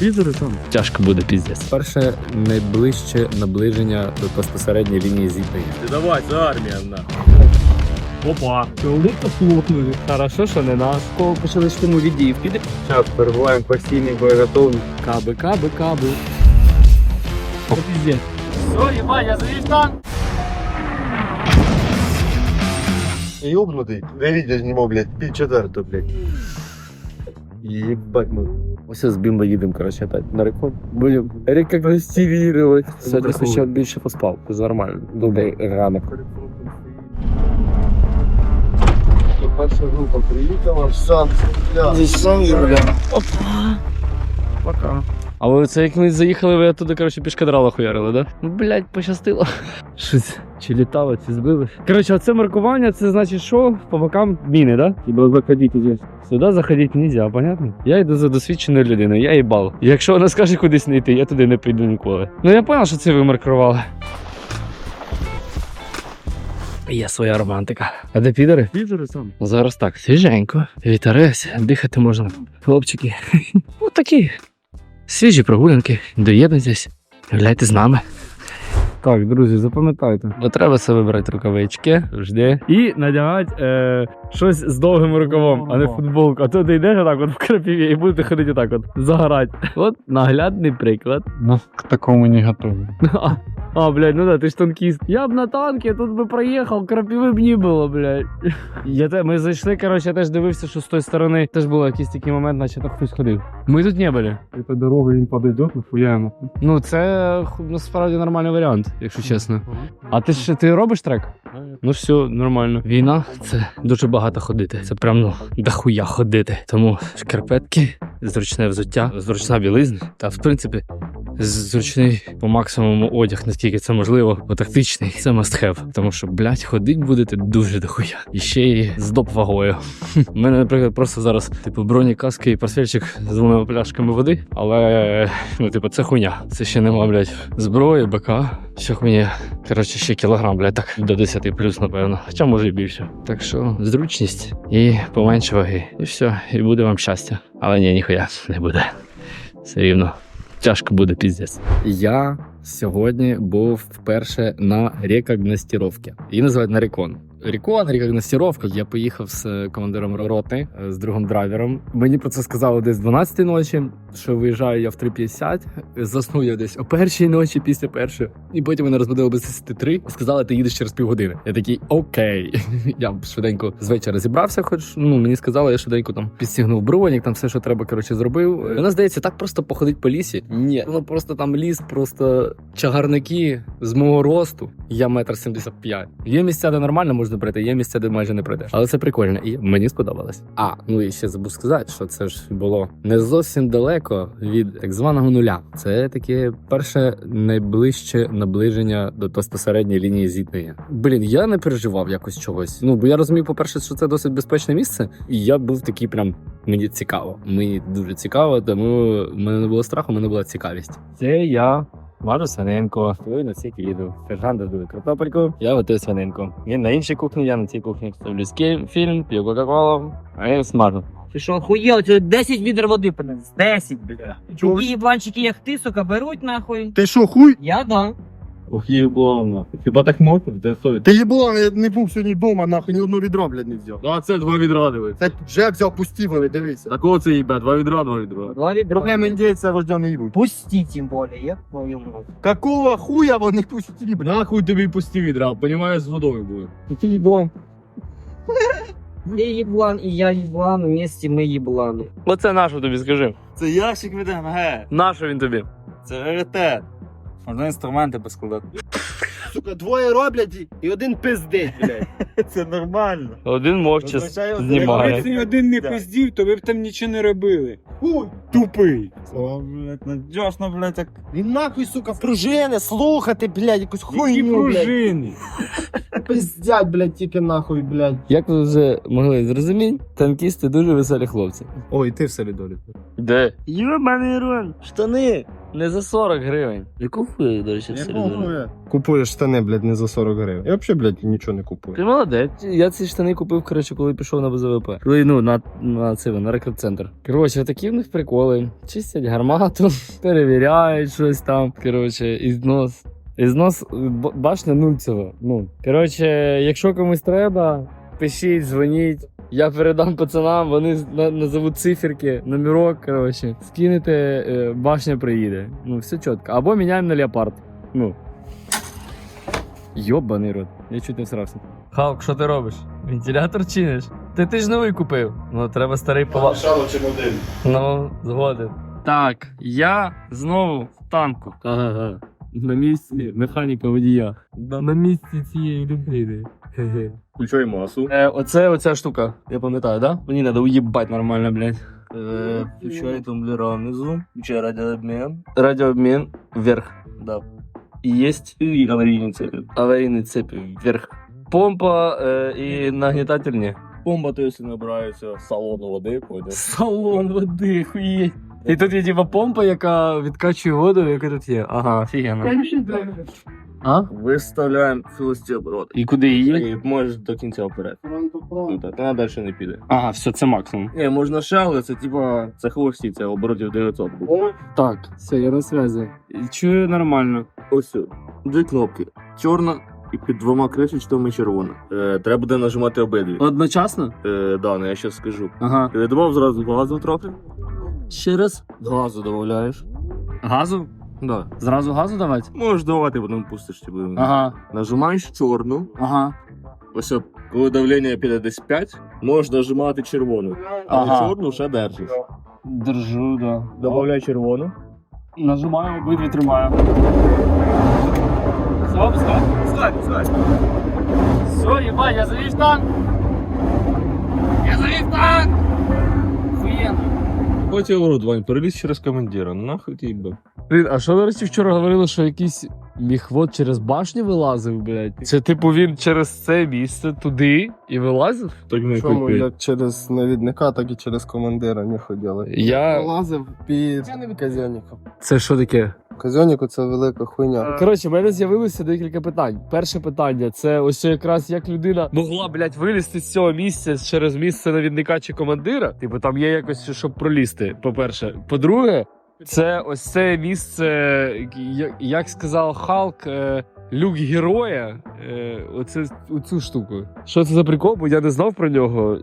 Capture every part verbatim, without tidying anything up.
підери там. Тяжко буде, піздець. Перше найближче наближення до безпосередньої лінії зіткнення. Ти давай, це армія, на. Опа, велика плотнули. Хорошо, що не наш. Кого почали штурму віддіїв, піде? Зараз перебуваємо в постійній боєготовності. Каби, каби, каби. О, піздець. Все, єбать, я завів танк. Ёбнутый. Да видео знімав, блядь, пів четвертого, блядь. Єбать ми. Ось з Бімба їдемо, коротше, опять на рекорд. Будемо рекогностировать. Сьогодні ще більше поспав, це нормально. Добрий ранок. Перша група приїхала, сам, бля. Здесь сам, бля. Опа. Пока. А ви це як ми заїхали, ви туди, коротше, пішкадрала хуярили, да? Ну, блядь, пощастило. Щось, чи літало, чи збили. Коротше, оце маркування, це значить, що по бокам міни, да? Хіба заходити здесь. Сюди заходити нельзя, понятно? Я йду за досвідченою людиною, я їбал. Якщо вона скаже кудись не йти, я туди не піду ніколи. Ну я понял, що це ви маркували. Є своя романтика. А де підери? Підери там. Зараз так, свіженько, вітерець, дихати можна. Хлопчики, ну такі свіжі прогулянки, доєднуйтесь, гуляйте з нами. Так, друзі, запам'ятайте. Бо треба себе брати рукавички, жди. І надягати е, щось з довгим рукавом, а не футболку. А то ти йдеш отак от в крапиві і будете ходити отак от, загорати. От наглядний приклад. Ну, к такому не готовы. А, а, блядь, ну да, ти ж танкіст. Я б на танкі, тут би проїхав, крапиви б не було, блядь. Я те, ми зайшли, коротше, я теж дивився, що з тої сторони теж був якийсь такий момент, наче так хтось ходив. Ми тут не були. Эта дорога им подойдет, нахуя она? Ну, це ху, насправді нормальний варіант, якщо чесно. А ти ж ти робиш трек? Ну все, нормально. Війна — це дуже багато ходити. Це прям, ну, дохуя ходити. Тому шкарпетки, зручне взуття, зручна білизна та, в принципі, зручний по максимуму одяг, наскільки це можливо, бо тактичний, це must have. Тому що, блядь, ходить будете дуже дохуя. І ще й з доп вагою. У мене, наприклад, просто зараз, типу, броні, каски і портфельчик з двома пляшками води, але, ну, типу, це хуйня. Це ще нема, блядь, зброї, БК. Що мені, коротше, ще кілограм, блядь, так, до десяти плюс, напевно. Хоча, може, і більше. Так що, зручність і поменше ваги. І все, і буде вам щастя. Але ні, ніхуя не буде. Все рівно. Тяжко буде, піздець. Я сьогодні був вперше на рекогностировці. Її називають на рекон. Рекон, рекогностировка. Я поїхав з командиром роти, з другим драйвером. Мені про це сказали десь дванадцятої ночі, що виїжджаю я в три п'ятдесят. Заснув я десь о першій ночі, після першої. І потім мене розбудили без десяти три. Сказали, ти їдеш через півгодини. Я такий, окей. Я швиденько з вечора зібрався, хоч, ну, мені сказали, я швиденько там підстігнув бронік, там все, що треба, коротше, зробив. Вона, здається, так просто походить по лісі. Ні, ну просто там ліс, просто чагарники з мого росту. Я метр сімдесят п'ять. Є місця, де нормально можна пройти, є місця, де майже не пройдеш. Але це прикольно, і мені сподобалось. А, ну і ще забув сказати, що це ж було не зовсім далеко від так званого нуля. Це таке перше найближче наближення до безпосередньої лінії зіткнення. Блін, я не переживав якось чогось. Ну, бо я розумів, по-перше, що це досить безпечне місце, і я був такий прям, мені цікаво. Мені дуже цікаво, тому в мене не було страху, в мене була цікавість. Це я, Варю свининку. Ви на цій їду. Сержант готує картопельку, я готую свининку. Він на іншій кухні, я на цій кухні. Ставлю фільм, п'ю кока-колу, а я смажу. Ти що, охуєл? Це десять відер води принес. десять, бля. Такі єбланчики, як ти, сука, беруть нахуй. Ти що, хуй? Я да. Ох, ебано. Хіба так можна? Де совість? Ти їблан, я не був сьогодні вдома, нахуй, ні одного відра, блядь, не взяв. А це два відра диви. Це вже взяв пусті, вони, дивися. Такого це їбе, два відра, два відра. Два відра. Проблем індійця рождений не будь. Пусти, тим более, я твою мать. Какого хуя вони пусті, блядь? Нахуй тобі пусті відра, понімаєш, з водою буде. Ти їблан. Ти єблан і я єблан, вместе ми єблани. Оце нашу тобі, скажи. Це ящик від ем ге. Нашу він тобі. Це раритет. Можна інструменти поскладати. Сука, двоє роблять і один пиздить, блядь. Це нормально. Один мовча знімає. Якби один не пиздів, то ви б там нічого не робили. Хуй. Тупий. О, блядь, надіжно, блядь, так. Він нахуй, сука, в пружини, слухати, блядь, якусь Які хуйню, блядь. пружини. Пиздять, блядь, тільки нахуй, блядь. Як ви вже могли зрозуміти, танкісти дуже веселі хлопці. Ой, ти в солідолі. Де? Йобаний роль, штани. Не за сорок гривень. Яку хуй, до речі, все. Купуєш штани, блядь, не за сорок гривень. Я взагалі, блядь, нічого не купую. Ти молодець. Я ці штани купив, коротше, коли пішов на БЗВП. Коли, ну, на, на, це, на рекорд-центр. Коротше, такі в них приколи. Чистять гармату, перевіряють щось там. Коротше, ізнос. Ізнос б- башня нульцева. Ну, коротше, якщо комусь треба, пишіть, дзвоніть. Я передам пацанам, вони з- на- назовуть циферки, номерок, коротше. Скинете, е, башня приїде. Ну, все чітко. Або міняємо на леопард. Ну. Йобаний рот. Я чуть не всрався. Халк, що ти робиш? Вентилятор чиниш? Ти, ти ж новий купив. Ну, треба старий пова... Шало чи модель? Ну, згоден. Так, я знову в танку. Ага. На місці механіка водія. На місці цієї людини. Хе-хе. Включай масу. Е, оце оця штука, я пам'ятаю, да? Мені треба уїбать нормально, блядь. Е, Включай тумблера внизу, включай радіообмін. Радіообмін вверх. Да. І єсть І аварійні цепи. аварійний цепь вверх. Помпа е, і нагнітатель ні. Бомба, то якщо набирається з салону води, пойде. Салон води, хуєть. І тут є типа помпа, яка відкачує воду, яка тут є. Ага, офігенно. А? Виставляємо холості обороти. І куди її? І можеш до кінця вперед. Ну так, вона далі не піде. Ага, все, це максимум. Ні, можна ще, але це типа, це холості, це оборотів дев'ятсот буде. Так, все, я на зв'язі. Чую нормально. Ось сюди. Дві кнопки. Чорна і під двома кришечками червона. Е, треба буде нажимати обидві. Одночасно? Е, да, ну я щас скажу. Ага. Ти добав зразу газу трохи? Ще раз. Газу додаєш. Газу? Да. Зразу газу давати? Можеш давати, потім пустиш. Типу. Ага, Нажимаєш чорну. ага. Ось, от, коли давлення піде десь п'ять, можеш нажимати червону. Але Ага. чорну ще держиш. Держу, да. Добавляй червону. Нажимаю, обидві тримаю. Все, пускай. Пускай, пускай. Все, ебать, я завів танк. Я завів танк. Охуєнно. Потім ворот, Вань, переліз через командира. Нахуй ти їбав. Блін, а що, до речі, вчора говорили, що якийсь міхвод через башню вилазив, блядь? Це типу він через це місце туди і вилазив? Так не Чому купи. як через навідника, так і через командира не ходили. Я... Лазив під казьонником. Це що таке? Казьоннику це велика хуйня. Коротше, в мене з'явилося декілька питань. Перше питання це ось якраз як людина могла, блядь, вилізти з цього місця через місце навідника чи командира. Типу, там є якось, щоб пролізти, по-перше. По-друге, це ось це місце, як, як сказав Халк, е, люк героя. Е, оце оцю штуку. Що це за прикол? Бо я не знав про нього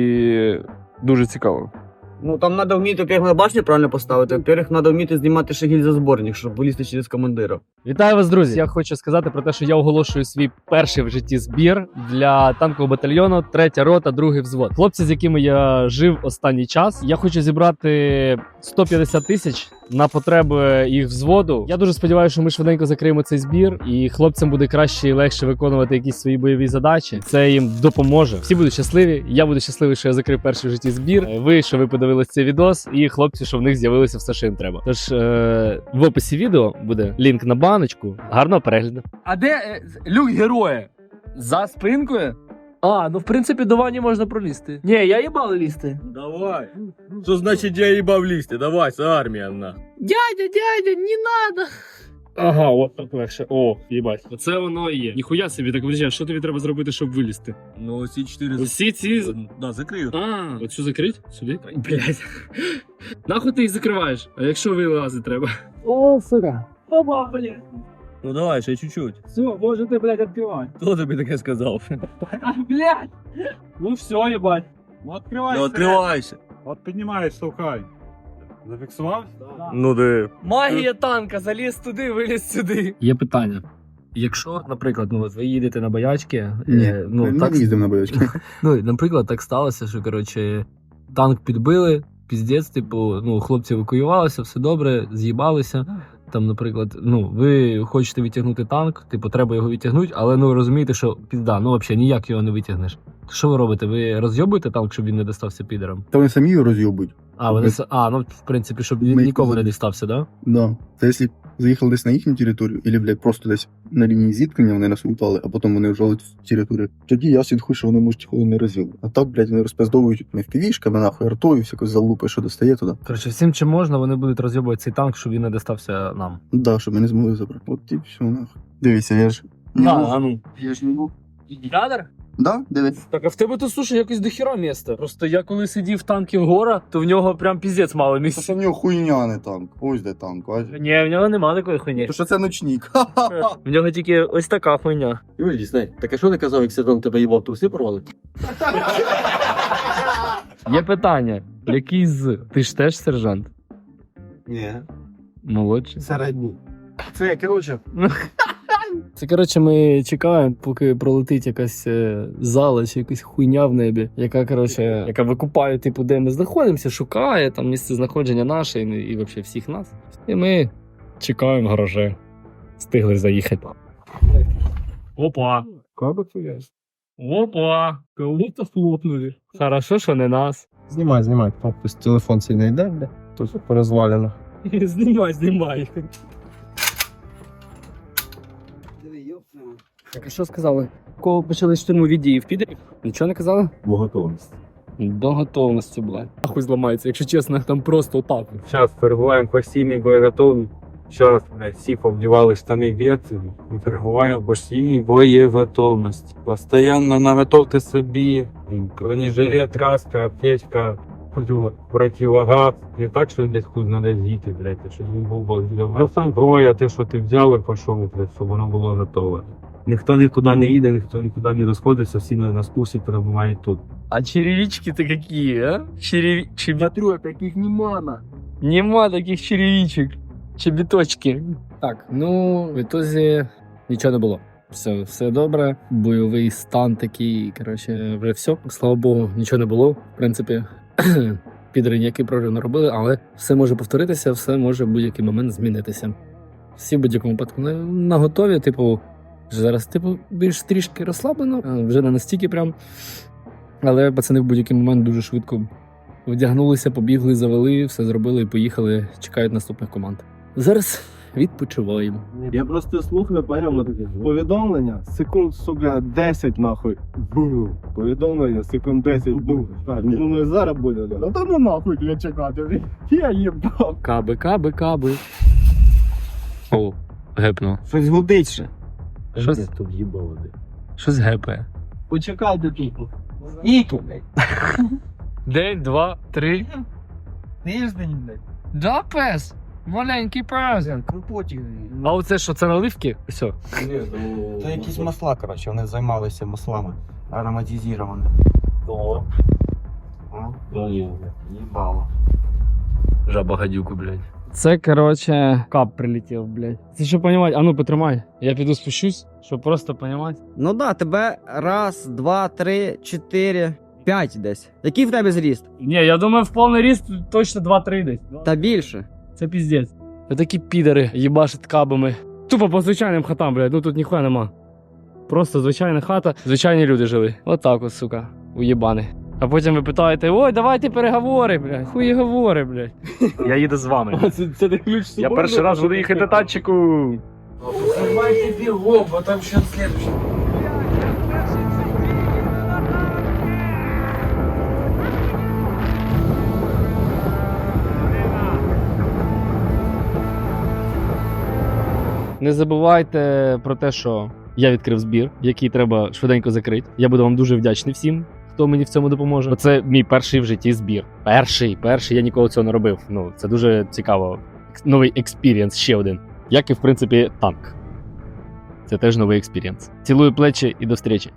і дуже цікаво. Ну там треба вміти, як на башню правильно поставити. Во-первых, треба вміти знімати ще гільзозборник, щоб вилізти через командира. Вітаю вас, друзі! Я хочу сказати про те, що я оголошую свій перший в житті збір для танкового батальйону, третя рота, другий взвод. Хлопці, з якими я жив останній час. Я хочу зібрати сто п'ятдесят тисяч на потреби їх взводу. Я дуже сподіваюся, що ми швиденько закриємо цей збір, і хлопцям буде краще і легше виконувати якісь свої бойові задачі. Це їм допоможе. Всі будуть щасливі. Я буду щасливий, що я закрив перший в житті збір. Ви, що ви подивились цей відос, і хлопці, що в них з'явилося все, що їм треба. Тож е- в описі відео буде лінк на баночку. Гарного перегляду. А де е, люк героя? За спинкою? А, ну в принципі до вані можна пролізти. Ні, я їбав лізти. Давай. Що значить я їбав лізти? Давай, це армія на. Дядя, дядя, не надо. Ага, от так легше. О, їбать. Оце воно і є. Ніхуя собі, так подожди, а що тобі треба зробити, щоб вилізти? Ну, оці чотири... Усі ці... Да, закрию. А, оцю закрить? Сюди? Блять. Нахуй ти їх закриваєш? А якщо вилазити треба? О, сука. Опа, блядь. Ну давай, ще чуть-чуть. Все, можете, блядь, відкривати. Хто тобі таке сказав? Блядь. Ну все, ебать. Ну, відкривайся. Ну, відкривайся. От піднімаєш, штовхай. Зафіксував? Ну, де. Магія танка, заліз туди, виліз сюди. Є питання. Якщо, наприклад, ну от ви їдете на боячки, е, ну так їздимо на бойочки. ну, наприклад, так сталося, що коротше танк підбили, піздець, типу, ну, хлопці евакуювалися, все добре, з'їбалися. Там, наприклад, ну, ви хочете відтягнути танк, типу, треба його відтягнути, але ну розумієте, що пізда, ну взагалі ніяк його не витягнеш. Що ви робите? Ви розйобуєте танк, щоб він не достався підерам? Та вони самі його роз'єбують. А, вони с- а, ну в принципі, щоб він Ми- нікому не дістався, да? Да. Та якщо заїхали десь на їхню територію, або, блядь, просто десь на лінії зіткнення вони нас лутали, а потім вони вжали в територію, тоді я слідкую, що вони можуть ніколи не розвіли. А так, блядь, вони розпиздовують не впівішками, нахуй, артою, всякою залупою, що достає туди. Коротше, всім чим можна, вони будуть розйобувати цей танк, щоб він не достався нам. Да, щоб ми не змогли забрати. От і все, нахуй. Дивіться, я ж... А, ну. Я ж не був. Ядер? Да, дивись. Так, а в тебе тут, слушай, якось дохіра місця. Просто я коли сидів в танкі в гора, то в нього прям піздець мало Це місця. що в нього хуйня, не танк. Ось де танк, бачиш? Ні, в нього нема такої хуйні. То що це ночник. В нього тільки ось така хуйня. Юрій, дізнай, так а що ти казав, як Сидон тебе їбав, труси порвали? Є питання. Який з? Ти ж теж сержант? Ні, Молодший. середній. Це, коротше, Це, коротше, ми чекаємо, поки пролетить якась е, зала чи якась хуйня в небі, яка, коротше, яка викупає, типу, де ми знаходимося, шукає там місце знаходження наше і, і взагалі всіх нас. І ми чекаємо в гараже. Встигли заїхати. Опа! Каба твоя. Опа! Кого-то хлопнули. Хорошо, що не нас. знімай, знімай, хтось телефон цей не йде, бля, тут порозвалено. Знімай, знімай. Так, а що сказали? Кого почали штурмові дії в підері? Нічого не казали? Бо готовність. До готовності, блядь. Нахуй зламається, якщо чесно, там просто отак. Зараз перебуваємо в постійній боєготовності. Зараз, блядь, всі повдівали штани в'єти і перебуваємо в постійній боєготовності. Постоянно наготовте собі бронежилет, краска, аптечка, противогаз. Не так, що десь хуй надо з'їти, блядь, щоб він був боєготовий. А зброя, те, що ти взяв і пішов, блядь, щоб воно було готове. Ніхто нікуди не їде, ніхто нікуди не розходиться, всі на на курсі перебувають тут. А черевички-то какие, а? Черев... Чеби... Смотрю, таких нема. Нема таких черевичек. Чебіточки. Так, ну, в ітозі нічого не було. Все, все добре. Бойовий стан такий, коротше, вже все. Слава Богу, нічого не було. В принципі, підери ніякий прорив не робили, але все може повторитися, все може в будь-який момент змінитися. Всі в будь-якому випадку на, на готові, типу, вже зараз, типу, більш трішки розслаблено, а вже не настільки прям. Але пацани в будь-який момент дуже швидко вдягнулися, побігли, завели, все зробили і поїхали, чекають наступних команд. Зараз відпочиваємо. Я просто слухаю, поняв, повідомлення, секунд, сука, десять нахуй. Бу. Повідомлення, секунд десять, бу. Думаю, зараз буде. Ну то ну нахуй для чекати. Я їбав. Каби, каби, каби. О, гепнув. Щось гудить ще. Щось, Тут їбало. щось гепає. Почекайте тут. І тут, блядь. День, два, три. Тиждень, блядь. Да, пес. Маленький пес. Ну потім. А оце що, це наливки? Все. Це якісь масла, коротше, вони займалися маслами ароматизованими. О. Їбало. Жаба гадюку, блядь. Це, короче, кап прилетів, блядь. Це що понімати? А ну потримай. Я піду спущусь, щоб просто понімати. Ну да, тебе раз, два, три, чотири, п'ять десь. Який в тебе зріст? Ні, я думаю, в повний ріст точно два-три десь. Та більше. Це піздець. Такі підери їбашать кабами. Тупо по звичайним хатам, блядь, ну тут ніхуя нема. Просто звичайна хата, звичайні люди жили. Отак от, сука, уєбани. А потім ви питаєте, ой, давайте переговори, блядь. Хуї говори, блядь. Я їду з вами. Це, це не ключ з Я собою, перший раз буду їхати на танчику. Давайте бігом, бо там ще слідчий. Не забувайте про те, що я відкрив збір, який треба швиденько закрити. Я буду вам дуже вдячний всім, хто мені в цьому допоможе. Це мій перший в житті збір. Перший, перший, я ніколи цього не робив. Ну, це дуже цікаво. Новий експірієнс, ще один. Як і, в принципі, танк. Це теж новий експірієнс. Цілую плечі і до зустрічі.